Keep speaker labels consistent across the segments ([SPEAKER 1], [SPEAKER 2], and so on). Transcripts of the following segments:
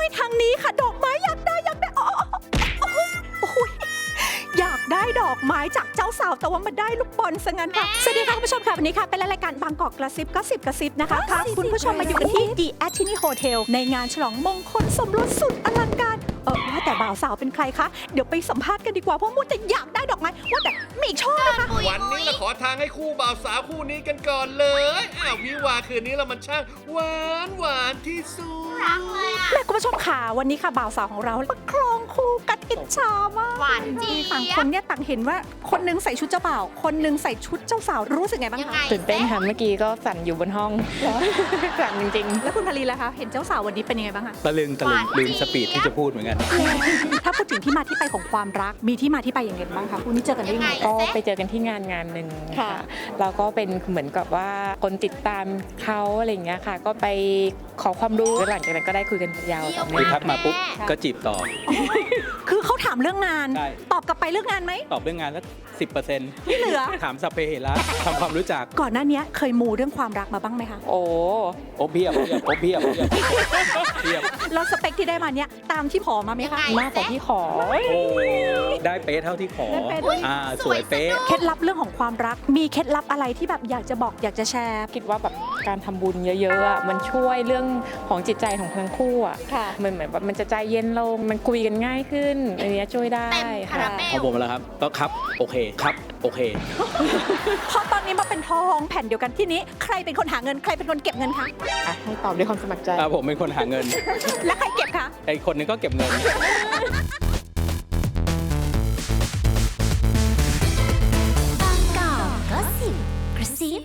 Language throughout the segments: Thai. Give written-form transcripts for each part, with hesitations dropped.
[SPEAKER 1] ยทางนี้ค่ะดอกไม้อยากได้อยากได้ดอกไม้จากเจ้าสาวแต่ว่ามาได้ลูกบอลซะงั้นค่ะสวัสดีค่ะคุณผู้ชมค่ะวันนี้ค่ะเป็นรายการบางกอกกระซิบก็10กระซิบนะคะพาคุณผู้ชมมาอยู่กันที่ The Atini Hotel ในงานฉลองมงคลสมรสสุดอลังการว่าแต่บ่าวสาวเป็นใครคะเดี๋ยวไปสัมภาษณ์กันดีกว่าเพราะมูแต่อยากได้ดอกไม้ว่าแต่มีชอบนะคะ
[SPEAKER 2] วันนี้เราขอทางให้คู่บ่าวสาวคู่นี้กันก่อนเลยวิวาคืนนี้เรามันช่างหวานที่สุด
[SPEAKER 3] รักเลยอ่ะ
[SPEAKER 1] และคุณผู้ชมค่ะวันนี้ค่ะบ่าวสาวของเราประคองคู่กัดอิจฉามาก
[SPEAKER 3] หวานจี๊
[SPEAKER 1] ต่าง
[SPEAKER 3] ด
[SPEAKER 1] คนเนี่ยต่างเห็นว่าคนนึงใส่ชุดเจ้าบ่าวคนนึงใส่ชุดเจ้าสาวรู้สึกไงบ้าง
[SPEAKER 3] ยัง
[SPEAKER 1] คะ
[SPEAKER 3] ไง
[SPEAKER 4] ตื่นเต้นค่ะเมื่อกี้ก็สั่นอยู่บนห้อง สั่นจริง
[SPEAKER 1] แล้วคุณพารีล่ะคะเห็นเจ้าสาววันนี้เป็นยังไงบ้างคะ
[SPEAKER 5] ตะลึงลืมสปีดที่จะพูดเหมือนกัน
[SPEAKER 1] ถ้าพูดถึงที่มาที่ไปของความรักมีที่มาที่ไปอย่างไรบ้างคะคู่นี้เจอกันได้ยังไง
[SPEAKER 4] ๆ ก็ไปเจอกันที่งานหนึ่ง
[SPEAKER 1] ค่ะ
[SPEAKER 4] ค่ะแล้วก็เป็นเหมือนกับว่าคนติดตามเขาอะไรอย่างเงี้ยค่ะ ก็ไปขอความรู้แล้วหลังจากนั้นก็ได้คุยกันยาวต่อ
[SPEAKER 5] คือ
[SPEAKER 4] เนื่อง
[SPEAKER 5] ทักมาปุ๊บก็จีบต่อ
[SPEAKER 1] คือเขาถามเรื่องงาน
[SPEAKER 5] ใช่
[SPEAKER 1] ตอบกลับไปเรื่องงานไหม
[SPEAKER 5] ตอบเรื่องงานสัก10%
[SPEAKER 1] ที่เหลือ
[SPEAKER 5] ถามสัพเพเหระทำความรู้จัก
[SPEAKER 1] ก่อนหน้านี้เคยมูเรื่องความรักมาบ้างไหมคะ
[SPEAKER 4] โอ้
[SPEAKER 5] โอบเพียบเพียบ
[SPEAKER 1] แล้วสเปคที่ได้มาเนี่ยตามที่ขอมาไหมคะ
[SPEAKER 4] มากกว่าที่ขอ
[SPEAKER 5] โอ้ได้เป๊ะเท่าที่ขอ
[SPEAKER 1] ได้เป๊ะด้วย
[SPEAKER 5] สวยเป๊ะ
[SPEAKER 1] เคล็ดลับเรื่องของความรักมีเคล็ดลับอะไรที่แบบอยากจะบอกอยากจะแชร์
[SPEAKER 4] คิดว่าแบบการทำบุญเยอะๆอ่ะมันช่วยเรื่องของจิตใจของทั้งคู่อ่ะ
[SPEAKER 1] ค่ะ
[SPEAKER 4] มันเหมือนแบบมันจะใจเย็นลงมันคุยกันง่ายขึ้นอันเนี้ยช่วยได้
[SPEAKER 3] เต็มคารา
[SPEAKER 4] ค่ะ
[SPEAKER 3] เบ
[SPEAKER 5] ของ
[SPEAKER 3] ล
[SPEAKER 5] ผมแล้วครับก็ครับโอเคครับโอเค
[SPEAKER 1] พอตอนนี้มาเป็นทองแผ่นเดียวกันที่นี้ใครเป็นคนหาเงินใครเป็นคนเก็บเงินคะ
[SPEAKER 4] อ่ะให้ตอบด้วยความสมัครใจ
[SPEAKER 5] ผมเป็นคนหาเงิน
[SPEAKER 1] และใครเก็บคะ
[SPEAKER 5] ไอ้คนนึงก็เก็บเงิน
[SPEAKER 3] บางกอกก็สิบกระซิ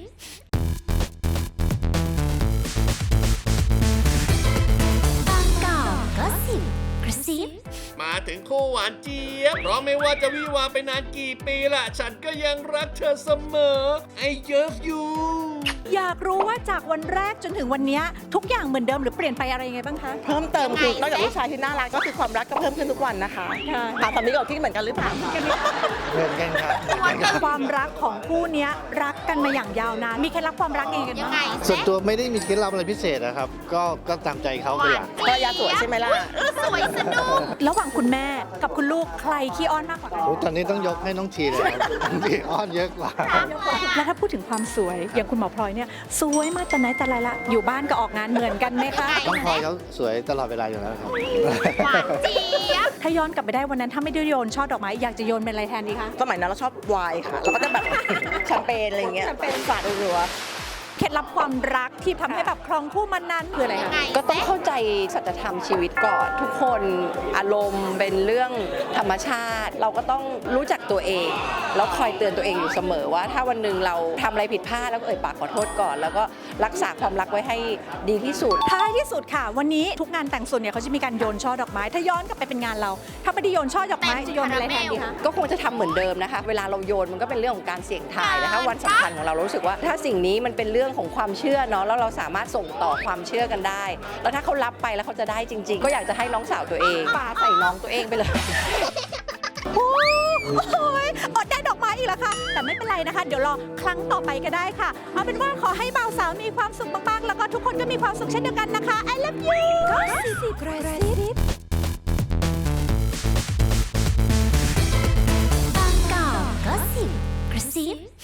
[SPEAKER 3] บางกอกก็สิบกระซิบ
[SPEAKER 2] มาถึงคู่หวานเจี๊ยบเพราะไม่ว่าจะวิวาไปนานกี่ปีละฉันก็ยังรักเธอเสมอ I love you
[SPEAKER 1] อยากรู้ว่าจากวันแรกจนถึงวันนี้ทุกอย่างเหมือนเดิมหรือเปลี่ยนไปอะไรยังไงบ้างคะ
[SPEAKER 6] เพิ่มเติมคือนอกจากลูกชายที่น่ารักก็คือความรักก็เพิ่มขึ้นทุกวันนะคะ
[SPEAKER 1] ค่ะ
[SPEAKER 6] ถามสามีก่อนที่เหมือนกันหรือเปล่าคะ
[SPEAKER 7] เหมือนกันครับเหมือนกันครับ
[SPEAKER 1] ความรักของคู่เนี้ยรักกันมาอย่างยาวนานมีเคล็ดลับความรักยังไงกัน
[SPEAKER 3] ยัง
[SPEAKER 1] บ้าง
[SPEAKER 3] ไง
[SPEAKER 7] ส่วนตัวไม่ได้มีเคล็ดลับอะไรพิเศษนะครับ ก็ตามใจเขาเป็นหลัก
[SPEAKER 6] ภรรยาสวยใช่ไหมล่ะ
[SPEAKER 3] สวยสนุก
[SPEAKER 1] ระหว่างคุณแม่กับคุณลูกใครขี้อ้อนมากกว่ากัน
[SPEAKER 7] โอ้ตอนนี้ต้องยกให้น้องทีเลยครับน้องทีอ้อนเยอะกว่า
[SPEAKER 1] แล้วถ้าพูดถึงความสวยอย่างคุณหมอพลอยเนี่ยสวยมากแต่ไหนแต่ไรละอยู่บ้านก็ออกงานเหมือนกันไหมคะ
[SPEAKER 7] น้องพลอยเขาสวยตลอดเวลาอยู่แล้วครับ
[SPEAKER 3] หวานเจี๊ยบ
[SPEAKER 1] ถ้าย้อนกลับไปได้วันนั้นถ้าไม่ได้โยนช่อดอกไม้อยากจะโยนเป็นอะไรแทนดีคะ
[SPEAKER 6] สมัยนั้นเราชอบไวน์ค่ะ เราก็จะแบบ แชมเปญอะไรอย่างเงี้ยสาดรัว
[SPEAKER 1] เคล็ดลับความรักที่ทำให้แบบครองคู่มานานคืออะไร
[SPEAKER 3] ยั
[SPEAKER 1] คะ
[SPEAKER 3] งไง
[SPEAKER 8] ก็ต้องเข้าใจสัจธรรมชีวิตก่อน ทุกคนอารมณ์เป็นเรื่องธรรมชาติ เราก็ต้องรู้จักตัวเอง แล้วคอยเตือนตัวเองอยู่เสมอว่าถ้าวันหนึ่งเราทำอะไรผิดพลาดแล้วก็เอ่ยปากขอโทษก่อน แล้วก็รักษาความรักไว้ให้ดีที่สุด
[SPEAKER 1] ท้ายที่สุดค่ะ วันนี้ทุกงานแต่งส่วนเนี่ยเขาจะมีการโยนช่อดอกไม้ ถ้าย้อนกลับไปเป็นงานเรา ถ้าไม่ได้โยนช่อดอกไม้จะโยนเป็นอะไรแทนดีคะ
[SPEAKER 8] ก็คงจะทำเหมือนเดิมนะคะ เวลาเราโยนมันก็เป็นเรื่องของการเสี่ยงทายนะคะวันสำคัญของเรารู้สึกว่า ถ้าสิ่งนี้มันเป็นเรื่องของความเชื่อเนาะแล้วเราสามารถส่งต่อความเชื่อกันได้ แล้วถ้าเขารับไปแล้วเขาจะได้จริง ๆ ก็อยากจะให้น้องสาวตัวเองปาใส่น้องตัวเองไปเลย
[SPEAKER 1] โอ้ยอดได้ดอกไม้อีกแล้วค่ะ แต่ไม่เป็นไรนะคะ เดี๋ยวรอครั้งต่อไปก็ได้ค่ะ เอาเป็นว่าขอให้บ่าวสาวมีความสุขมากๆ แล้วก็ทุกคนก็มีความสุขเช่นเดียวกันนะคะ I love you ก็สิบกระซิบบ
[SPEAKER 3] างกอกก็สิบกระซิบ